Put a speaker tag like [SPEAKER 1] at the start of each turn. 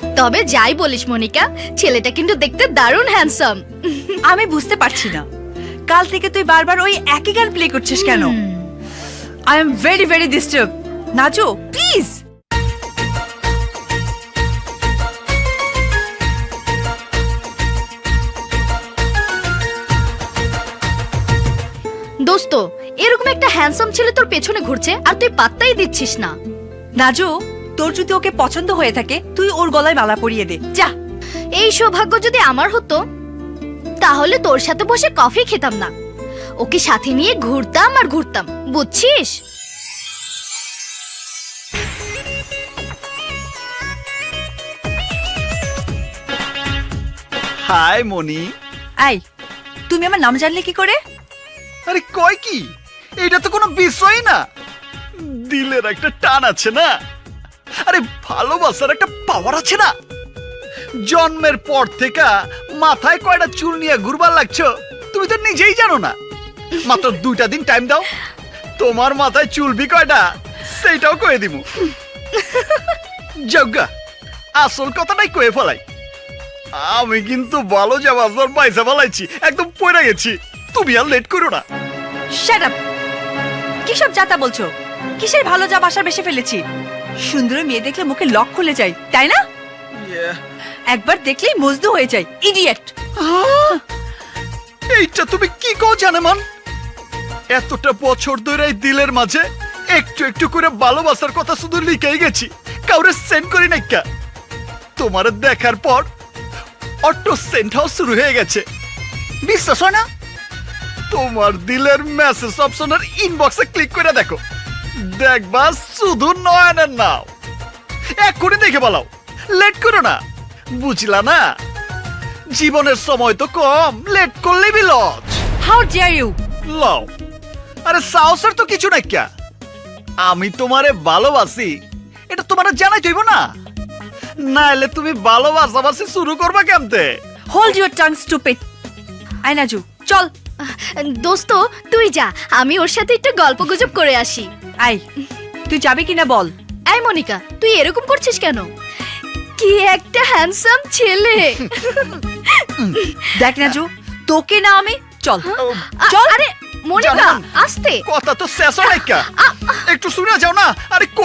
[SPEAKER 1] তবে যাই বলিস মনিকা, ছেলেটা কিন্তু দেখতে দারুণ হ্যান্ডসাম।
[SPEAKER 2] আমি বুঝতে পারছি না কাল থেকে তুই বারবার ওই একই গান প্লে করছিস কেন। I am very very disturb. Naju please.
[SPEAKER 1] দোস্ত, এরকম একটা হ্যান্ডসাম ছেলে তোর পেছনে ঘুরছে আর তুই পাত্তাই দিচ্ছিস না।
[SPEAKER 2] নাজু তোর যদি ওকে পছন্দ হয়ে থাকে তুই ওর গলায় মালা পরিয়ে দে যা।
[SPEAKER 1] এই সৌভাগ্য যদি আমার হতো তাহলে তোর সাথে বসে কফি খেতাম না, ওকে সাথে নিয়ে ঘুরতাম আর ঘুরতাম, বুঝছিস?
[SPEAKER 3] High Moni.
[SPEAKER 2] আই তুমি আমার নাম জানলে কি করে?
[SPEAKER 3] আরে কয় কি, এটা তো কোনো বিষয় না। দিলের একটা টান আছে না, আরে ভালোবাসার একটা পাওয়ার আছে না। জন্মের পর থেকে মাথায় কয়টা চুল নিয়ে ঘুরবার লাগছো তুমি তো নিজেই জানো না। মাত্র 2টা দিন টাইম দাও, তোমার মাথায় চুলবি কয়টা সেইটাও কয়ে দিব। যজ্ঞা আসল কথাটাই কয়ে ফেলাই, আমি কিন্তু ভালো যাবার পয়সা ফেলাইছি, একদম পড়ে গেছি। তুমি আর লেট করো না।
[SPEAKER 2] Shut up. কি সব যাতা বলছো? কিসের ভালো যা বাসা বেশি ফেলেছি? সুন্দর মেয়ে দেখলে মুখে লক খুলে যায় তাই না? একবার দেখলেই মজদু হয়ে যায়। ইডিয়েট।
[SPEAKER 3] এইটা তুমি কি কও জানেমান? এতটা বছর ধরে এই দিলের মাঝে একটু একটু করে ভালোবাসার কথা শুধু লিখেই গেছি, কাউরে সেন্ড করি নাই। কা তোমার দেখার পর অটো সেন্ড হাউস শুরু হয়ে গেছে, বিশ্বাস হয় না? তোমার দিলের মেসেজ অপশনের ইনবক্সে ক্লিক করে দেখো, দেখবা শুধু নয়নের নাও। এক্ষুনি দেখে বলাও, লেট করো না, বুঝলা না? জীবনের সময় তো কম, লেট করলে বিলজ।
[SPEAKER 2] How deer you.
[SPEAKER 3] লও, আরে সাহসের তো কিছু নাই। ক্যা আমি তোমারে ভালোবাসি এটা তোমারে জানাই যাইব না, নাইলে তুমি ভালোবাসাবাসি শুরু করবা কেমতে?
[SPEAKER 2] Hold your tongue stupid. আই নাজু চল।
[SPEAKER 1] দোস্ত তুই যা, আমি ওর সাথে একটু গল্পগুজব করে আসি।
[SPEAKER 2] আই তুই যাবি কিনা বল।
[SPEAKER 1] এই মনিকা, তুই এরকম করছিস কেন? কি একটা হ্যান্ডসাম ছেলে।
[SPEAKER 2] দেখ নাজু তোকে না আমি। চল
[SPEAKER 1] চল। আরে মনিকা
[SPEAKER 3] জানান।
[SPEAKER 1] আস্তে।
[SPEAKER 3] কথা তো শেষ হয় নাই। ক্যা একটু শুনে যাও না। আরে